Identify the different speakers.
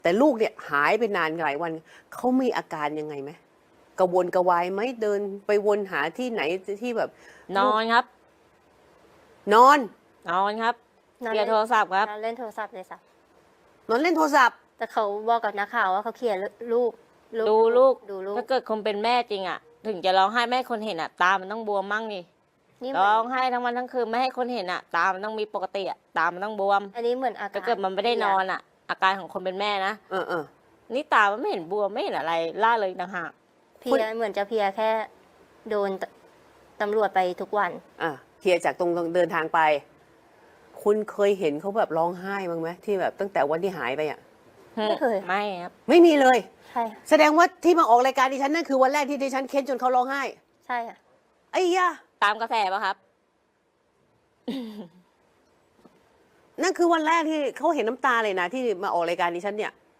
Speaker 1: แต่ลูกเนี่ยหายไปนานหลายวันเขามีอาการยังไงไหมกระวนกระวายไหมเดินไปวนหาที่ไหนที่แบบ
Speaker 2: นอนครับ
Speaker 1: นอน
Speaker 2: นอนครับเคลียร์โทรศัพท์ครับ
Speaker 3: นอนเล่นโทรศัพท์เลยสัก
Speaker 1: นอนเล่นโทรศัพท์
Speaker 3: แต่เขาบอกกับนักข่าวว่าเขาเคลียร์ลูก
Speaker 2: ดูลูก
Speaker 3: ดูลูก
Speaker 2: ถ้าเกิดคนเป็นแม่จริงอ่ะ ถึงจะร้องไห้ไม่ให้คนเห็นอ่ะ ตามันต้องบวมมั่งนี่
Speaker 3: นี่เหมื
Speaker 2: ร้
Speaker 3: อ
Speaker 2: อง
Speaker 3: น
Speaker 2: ไห้ทั้งวันทั้งคืนไม่ให้คนเห็นอ่ะ ตามันต้องมีปกติอ่ะ ตามันต้องบวม
Speaker 3: อันนี้เหมือนอาการ
Speaker 2: ถ้าเกิดมันไม่ได้นอนอ่ะ อาการของคนเป็นแม่นะ
Speaker 1: เออเออ
Speaker 2: นี่ตามันไม่เห็นบวมไม่เห็นอะไรล่าเลยต่างหาก
Speaker 3: เพลียเหมือนจะเพลียแค่โดนตำรวจไปทุกวัน
Speaker 1: อ่ะเคลียร์จากตรงเดินทางไป คุณเคยเห็นเขาแบบร้องไห้บ้างไหมที่แบบตั้งแต่วันที่หายไปอ่ะ
Speaker 3: ไม่เคย
Speaker 2: ไม่ครับ
Speaker 1: ไม่มีเลย
Speaker 3: ใช่ค่ะ
Speaker 1: แสดงว่าที่มาออกรายการดิฉันนั่นคือวันแรกที่ดิฉันเค้นจนเขาร้องไห้
Speaker 3: ใช่ค่ะ
Speaker 1: ไอ้ยะ
Speaker 2: ตามกระแสป่ะครับ
Speaker 1: นั่นคือวันแรกที่เขาเห็นน้ำตาเลยนะที่มาออกรายการดิฉันเนี่ย